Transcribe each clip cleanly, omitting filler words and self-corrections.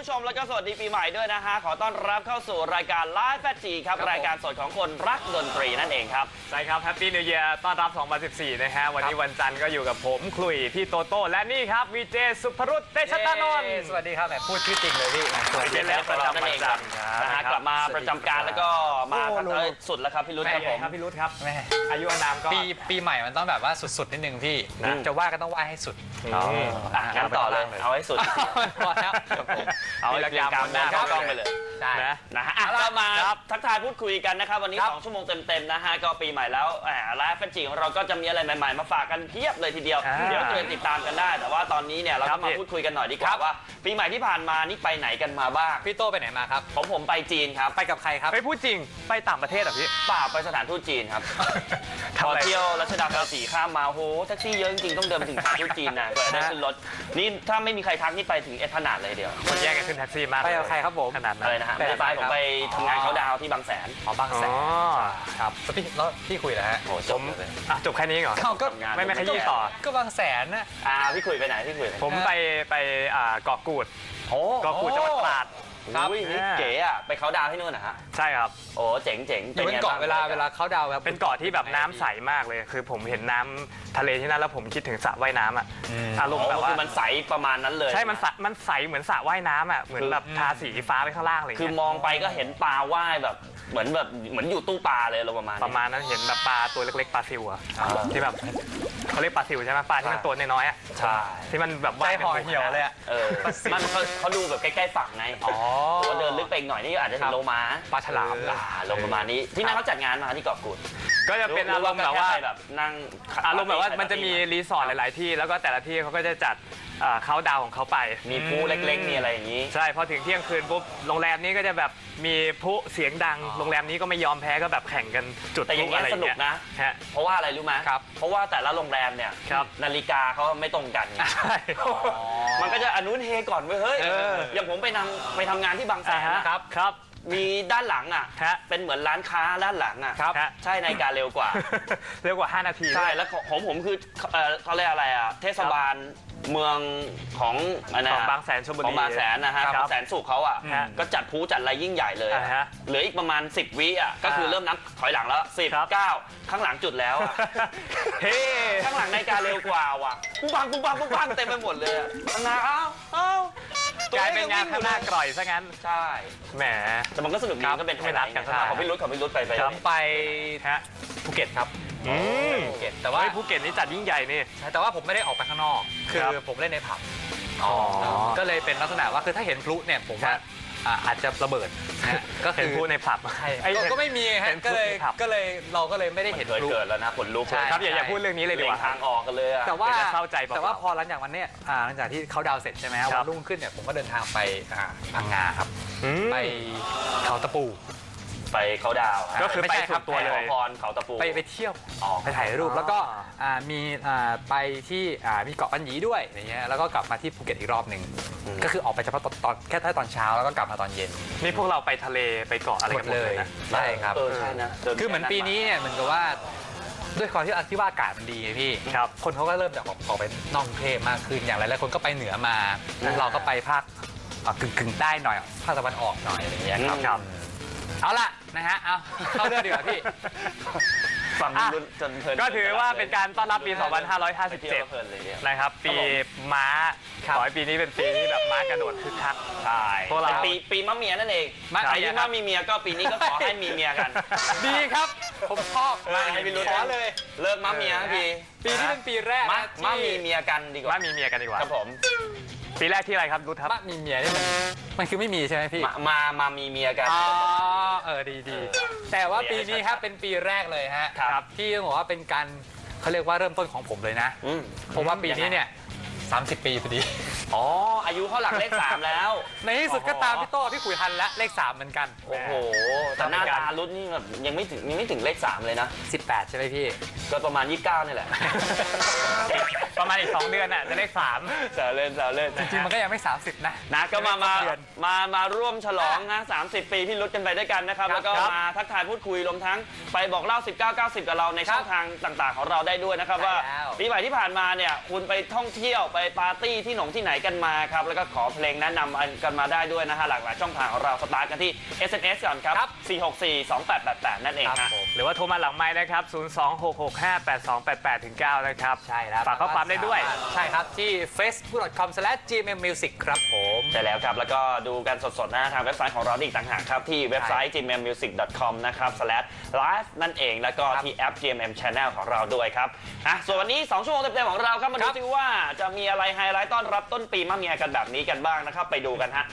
ผู้ชมแล้วก็สวัสดีปีใหม่ด้วยนะฮะขอต้อนรับเข้าสู่รายการ Live 8G ครับรายการสดของคนรักดนตรีนั่นเองครับใช่ครับแฮปปี้นิวเยียร์ต้อนรับ 2014 นะฮะวันนี้วันจันทร์ก็อยู่กับผมคลุยพี่โตโต้และนี่ครับวีเจสุภรุตเตชะตานนท์สวัสดีครับแบบพูดชื่อจริงเลยพี่สวัสดีแล้วประจำวันจันทร์นะฮะกลับมาประจำการแล้วก็มาสุดแล้วครับพี่รุตครับผมพี่รุตครับอายุอานามก็ปีใหม่มันต้องแบบว่าสุดๆนิดนึงพี่จะว่าก็ต้องว่าให้สุดงั้นต่อเลยเอาให้สุดพอแล้วเอาให้เรียงกรรมหน้ากล้องไปเลยนะฮะก็มาทักทายพูดคุยกันนะครับวันนี้2ชั่วโมงเต็มๆนะฮะก็ปีใหม่แล้วไลฟ์แฟนจีของเราก็จะมีอะไรใหม่ๆมาฝากกันเพียบเลยทีเดียวเดี๋ยวเชิญติดตามกันได้แต่ว่าตอนนี้เนี่ยเราก็มาพูดคุยกันหน่อยดีกว่าว่าปีใหม่ที่ผ่านมานี่ไปไหนกันมาบ้างพี่โตไปไหนมาครับผมไปจีนครับไปกับใครครับไปพูดจริงไปต่างประเทศอ่ะพี่ป่าไปสถานทูตจีนครับพอเที่ยวรัชดาภาษีข้ามมาโหแท็กซี่เยอะจริงๆต้องเดินไปถึงสถานทูตจีนนะเพื่อได้ขึ้นรถนี่ถ้าไม่มีใครทักนี่ไปถึงเอพนาดเลยเดียวคนแย่งกันขึ้นแท็กซี่มากไปกับใครครับผมขนาดนั้นเลยนะฮะผมไปทำงานเขาดาวที่บางแสนบางแสนครับแล้วพี่คุยแล้วฮะโอ้จบแค่นี้เหรอก็ไม่ขยี้ต่อก็บางแสนนะพี่คุยไปไหนผมไปเกาะกูดเกาะกูดจังหวัดตราดครับนี่เก๋อะไปเขาดาวที่นู่นนะฮะใช่ครับโอ้เจ๋งเป็นเกาะเวลาเขาดาวแบบเป็นเกาะที่แบบน้ำใสมากเลยคือผมเห็นน้ำทะเลที่นั่นแล้วผมคิดถึงสระว่ายน้ำอ่ะอารมณ์แบบว่ามันใสประมาณนั้นเลยใช่มันใสเหมือนสระว่ายน้ำอ่ะเหมือนแบบทาสีฟ้าไปข้างล่างเลยคือมองไปก็เห็นปลาว่ายแบบเหมือนอยู่ตู้ปลาเลยประมาณนั้นเห็นแบบปลาตัวเล็กๆปลาซิวอ่ะที่แบบเขาเรียกปลาซิวใช่ไหมปลาที่มันตัวน้อยๆอ่ะใช่ที่มันแบบว่ายห่อเหี่ยวเลยอ่ะมันเขาดูแบบใกล้ๆฝั่งไงว่าเดินลึกไปหน่อยนี่อาจจะเห็นโลมาปลาฉลามลงประมาณนี้ที่นั่นเขาจัดงานมาที่เกาะกูดก็จะเป็นอารมณ์แบบว่านั่งอารมณ์แบบว่ามันจะมีรีสอร์ทหลายๆที่แล้วก็แต่ละที่เขาก็จะจัดเขาดาวของเขาไปมีพลุเล็กๆมีอะไรอย่างนี้ใช่พอถึงเที่ยงคืนปุ๊บโรงแรมนี้ก็จะแบบมีพลุเสียงดังโรงแรมนี้ก็ไม่ยอมแพ้ก็แบบแข่งกันจุดแต่อย่างนี้สนุกนะเพราะว่าอะไรรู้ไหมเพราะว่าแต่ละโรงแรมเนี่ยนาฬิกาเขาไม่ตรงกันมันก็จะอนุเฮก่อนเว้ยเฮ้ยอย่างผมไปทำงานที่บางแสนนะครับมีด้านหลังอ่ะเป็นเหมือนร้านค้าด้านหลังอ่ะใช่นาฬิกาเร็วกว่า 5 นาทีใช่แล้วของผมคือเขาเรียกอะไรอ่ะเทศบาลเมืองของบางแสนชลบุรีของบางแสนนะฮะบางแสนสุขเขาอ่ะก็จัดพลุจัดอะไรยิ่งใหญ่เลยเหลืออีกประมาณ10 วิอ่ะก็คือเริ่มนับถอยหลังแล้ว10 9ข้างหลังจุดแล้วเฮ้ข้างหลังนาฬิกาเร็วกว่าว่ะปุ๊บปังเต็มไปหมดเลยนะเอ้ากลายเป็นงานข้างหน้ากร่อยซะงั้นใช่แหมแต่มันก็สนุกดีก็เป็นไม่นัดกันของพี่รุ้ไปภูเก็ตครับภูเก็ตแต่ว่าภูเก็ตนี่จัดยิ่งใหญ่นี่แต่ว่าผมไม่ได้ออกไปข้างนอกคือผมเล่นในผับก็เลยเป็นลักษณะว่าคือถ้าเห็นพลุเนี่ยผมว่าอาจจะระเบิดก็คือพลุในผับก็ไม่มีฮะก็เลยเราก็เลยไม่ได้เห็นพลุเกิดแล้วนะคนลุกครับอย่าพูดเรื่องนี้เลยดีกว่าทางออกกันเลยแต่ว่าพอหลังจากวันนี้หลังจากที่เขาดาวเสร็จใช่ไหมวันรุ่งขึ้นเนี่ยผมก็เดินทางไปพังงาครับไปเขาตะปูไปเขาดาวก็คือไปสุดตัวเลยพรเขาตะปูไปเที่ยวไปถ่ายรูปแล้วก็มีไปที่มีเกาะปัญญีด้วยอย่างเงี้ยแล้วก็กลับมาที่ภูเก็ตอีกรอบหนึ่งก็คือออกไปเฉพาะตอนแค่ตอนเช้าแล้วก็กลับมาตอนเย็นนี่พวกเราไปทะเลไปเกาะอะไรกันหมดเลยนะใช่ครับใช่นะคือเหมือนปีนี้เนี่ยเหมือนกับว่าด้วยความที่ว่าอากาศมันดีไงพี่คนเขาก็เริ่มจะออกไปนอกกรุงเทพมากขึ้นอย่างหลายๆคนก็ไปเหนือมาเราก็ไปภาคกึ่งใต้หน่อยภาคตะวันออกหน่อยอะไรอย่างเงี้ยครับเอาล่ะนะฮะเอาเข้าเรื่องดีกว่าพี่ฟังจนเพลินก็ถือว่าเป็นการต้อนรับปี 2557 นะครับปีม้าขอให้ปีนี้เป็นปีที่แบบม้ากระโดดคึกคักใช่พวกเราปีมะเมียนั่นเองใครที่ว่ามีเมียก็ปีนี้ก็ขอให้มีเมียกันดีครับผมชอบให้พี่รู้เลยเลิกมะเมียปีนี้เป็นปีแรกมะมีเมียกันดีกว่ามะมีเมียกันดีกว่าครับผมปีแรกที่อะไรครับรุทครับมีเมียนี่มันคือไม่มีใช่ไหมพี่มามีเมียกันดีแต่ว่าปีนี้ครับเป็นปีแรกเลยฮะที่ต้องบอกว่าเป็นการเขาเรียกว่าเริ่มต้นของผมเลยนะเพราะว่าปีนี้เนี่ย30 ปีพอดีอายุเขาหลักเลข3แล้วในที่สุดก็ตามพี่โต้พี่ขุยทันและเลข3เหมือนกันโอ้โหแต่หน้าตารุ่นนี่แบบยังไม่ถึงเลข3เลยนะ 18ใช่ไหมพี่ก็ประมาณ29นี่แหละปประมาณอีก2 เดือนน่ะจะเลข3 แซวเล่นแซวเล่นจริงๆมันก็ยังไม่ 30 นะนะก็มาเดือนร่วมฉลองนะ30 ปีพี่รุดกันไปด้วยกันนะครับ แล้วก็ครับมาทักทายพูดคุยรวมทั้งไปบอกเล่า 1990 กับเราในช่องทางต่างๆ ของเราได้ด้วยนะครับใช่ว่าแล้วปีใหม่ที่ผ่านมาเนี่ยคุณไปท่องเที่ยวไปปาร์ตี้ที่ที่ไหนกันมาครับแล้วก็ขอเพลงแนะนำกันมาได้ด้วยนะฮะหลากหลายช่องทางของเราสตาร์ทกันที่ SMS ก่อนครับ 4642888 นั่นเองครับฮะผมหรือว่าโทรมาหลังไม้นะครับ 026658288-9 นะครับใช่แล้วฝากข้อความได้ด้วยใช่ครับที่ facebook.com/gmmusic ครับผมใช่แล้วครับ แล้วก็ดูกันสดๆนะทางเว็บไซต์ของเราอีกต่างหากครับ ที่เว็บไซต์ gmmusic.com นะครับ /live นั่นเอง แล้วก็ที่แอป GMM Channel ของเราด้วยครับส่วนวันนี้ 2 ชั่วโมงเต็มๆของเราครับ มาดูซิว่าจะมีอะไรไฮไลท์ต้อนรับต้นปีมาเมียกันแบบนี้กันบ้างนะครับ ไปดูกันฮะ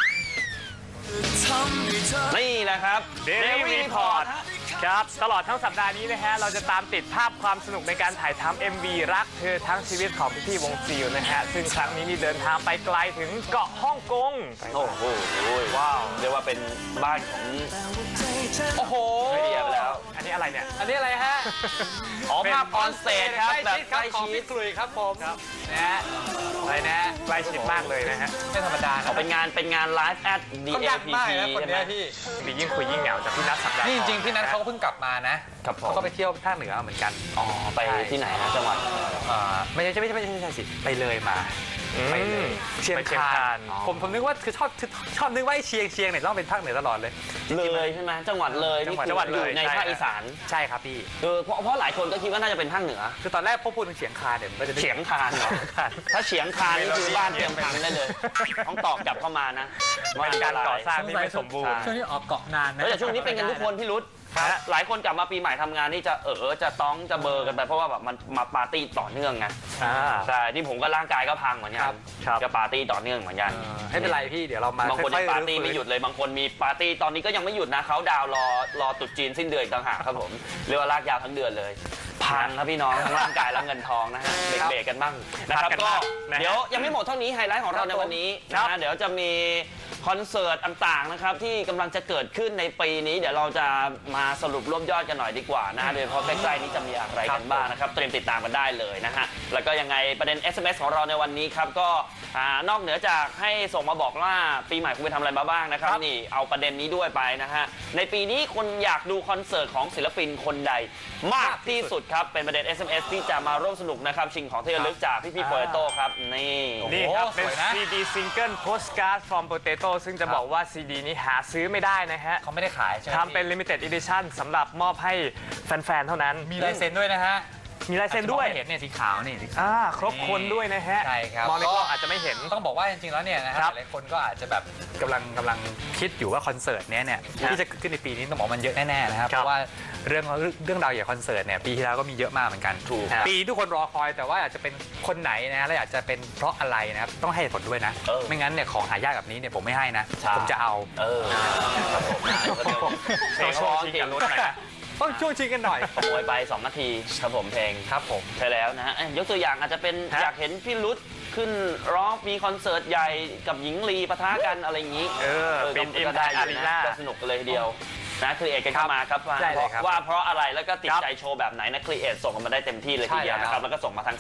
นี่แหละครับ Daily Report ครับ ตลอดทั้งสัปดาห์นี้นะฮะ เราจะตามติดภาพความสนุกในการถ่ายทำ MV รักเธอทั้งชีวิตของพี่ๆวงซิลนะฮะ ซึ่งครั้งนี้นี่เดินทางไปไกลถึงเกาะฮ่องกงโอ้โหว้าวเรียกว่าเป็นบ้านของโอ้โหเฮียไปแล้วอันนี้อะไรเนี่ยอันนี้อะไรฮะอ๋อภาพออนสเตจครับแบบใกล้ของชิพี่ดกลุยครับผมนะฮะอะไรนะใกล้ชิดมากเลยนะฮะไม่ธรรมดาเขาเป็นงานไลฟ์แอดเขาดัง DAPP มากนะคนใช่ไหมเนี้ยพี่ดียิ่งคุยยิ่งเหงาจากพี่นัทสัปดาห์นี่จก่อริงๆพี่นัทเขาก็เพิ่งกลับมานะครับผมเขาก็ไปเที่ยวภาคเหนือเหมือนกันอ๋อไปที่ไหนฮะจังหวัดไม่ใช่สิไปเลยมา ไปเลยเชียงคานผมนึกว่าคือชอบนึกว่าไอ้เชียงเนี่ยต้องเป็นภาคเหนือตลอดเลยเลยใช่ไหมจังหวัดเลยนี่คือจังหวัดเลยอยู่ในใช่ภาคอีสานใช่ครับพี่เพราะหลายคนก็คิดว่าน่าจะเป็นภาคเหนือคือตอนแรกพอพูดถึงเฉียงคานเนี่ยมันก็จะนึกเฉียงคานเหรอถ้าเฉียงคานนี่คือบ้านเตรียมพังได้เลย ต้องตอบกลับเข้ามานะเป็นการก่อสร้างที่ไม่สมบูรณ์ช่วงนี้ออกเกาะนานนะแต่ช่วงนี้เป็นกันทุกคนพี่รุธหลายคนกลับมาปีใหม่ทำงานนี่จะจะต้องจะเบอร์กันไปเพราะว่าแบบมันมาปาร์ตี้ต่อเนื่องไงใช่ที่ผมก็ร่างกายก็พังเหมือนกันจะปาร์ตี้ต่อเนื่องเหมือนกันไม่เป็นไรพี่เดี๋ยวเรามาบางคนค่ยัอยงๆปาร์ตี้รื้อฟื้นไม่หยุดเลยบางคนมีปาร์ตี้ตอนนี้ก็ยังไม่หยุดนะเขาดาวน์รอตรุษจีนสิ้นเดือนอีกต่างหากครับผมเรียกว่าลากยาวทั้งเดือนเลยพังครับพี่น้องทั้งร่างกายและเงินทองนะฮะเบรกๆกันบ้างนะครับก็เดี๋ยวยังไม่หมดเท่านี้ไฮไลท์ของเราในวันนี้นะเดี๋ยวจะมีคอนเสิร์ตต่างๆนะครับที่กำลังจะเกิดขึ้นในปีนี้เดี๋ยวเราจะมาสรุปรวบยอดกันหน่อยดีกว่านะโดยเฉพาะใกล้ๆนี้จะมีอะไรกันบ้างนะครับเตรียมติดตามกันได้เลยนะฮะแล้วก็ยังไงประเด็น SMS ของเราในวันนี้ครับก็นอกเหนือจากให้ส่งมาบอกว่าปีใหม่คุณไปทำอะไรมาบ้างนะครับนี่เอาประเด็นนี้ด้วยไปนะฮะในปีนี้คนอยากดูคอนเสิร์ตของศิลปินคนใดมากที่สุดครับเป็นประเด็น SMS ที่จะมาร่วมสนุกนะครับชิงของที่ระลึกจากพี่ๆโปเตโต้ครับนี่นี่ครับโอ้โหเป็นสวยนะ CD Single Postcard from Potato ซึ่งจะบอกว่า CD นี้หาซื้อไม่ได้นะฮะเขาไม่ได้ขายใช่ไหมทำเป็น Limited Edition สำหรับมอบให้แฟนๆ เท่านั้นมีลายเซ็นด้วยนะฮะมีลายเซ็นด้วยอาจจะมองไม่เห็นเนี่ยสีขาวนี่สีขาวครบคนด้วยนะฮะใช่ครับมองในกล้องอาจจะไม่เห็นต้องบอกว่าจริงๆแล้วเนี่ยนะคครัรับบ หลายคนก็อาจจะแบบกำลังคิดอยู่ว่าคอนเสิร์ตเนี้ยเนี่ยที่จะเกิดขึ้นในปีนี้ต้องบอกว่ามันเยอะแน่ๆนะครับครับเพราะว่าเรื่องราวอย่างคอนเสิร์ตเนี่ยปีที่แล้วก็มีเยอะมากเหมือนกันถูกครับปีทุกคนรอคอยแต่ว่าอาจจะเป็นคนไหนนะและอยากจะเป็นเพราะอะไรนะครับต้องให้เหตุผลด้วยนะ ไม่งั้นเนี่ยของหายากแบบนี้เนี่ยผมไม่ให้นะใช่ผมจะเอาครับผมเพลงร้องจริงต้องช่วงชิงกันหน่อยขโมยไป2 นาทีครับผมเพลงครับผมใช่แล้วนะฮะยกตัวอย่างอาจจะเป็นฮะอยากเห็นพี่รุธขึ้นร้องมีคอนเสิร์ตใหญ่กับหญิงลีปะทะกันอะไรอย่างนี้เป็นก็ได้ Impact อยู่ Arena นะก็สนุกกันเลยทีเดียวนะครีเอทกันเข้ามาครับได้เลยครับว่าเพราะอะไรแล้วก็ติดครับใจโชว์แบบไหนนะครีเอทส่งกันมาได้เต็มที่เลยทีเดียวใช่แล้วนะครับแล้วก็ส่งมาทาง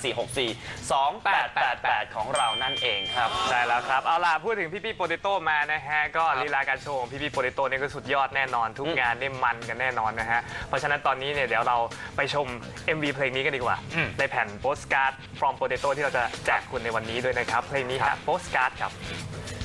4642888 ของเรานั่นเองครับใช่แล้วครับ เอาล่ะ พูดถึงพี่โปเตโต้มานะฮะ ก็ลีลาการโชว์ของพี่โปเตโต้นี่ก็สุดยอดแน่นอน ทุกงานได้มันกันแน่นอนนะฮะ เพราะฉะนั้นตอนนี้เนี่ยเดี๋ยวเราไปชม MV เพลงนี้กันดีกว่า ในแผ่น Postcard from Potato ที่เราจะแจกคุณในวันนี้ด้วยนะครับ เพลงนี้ครับ Postcard ครับ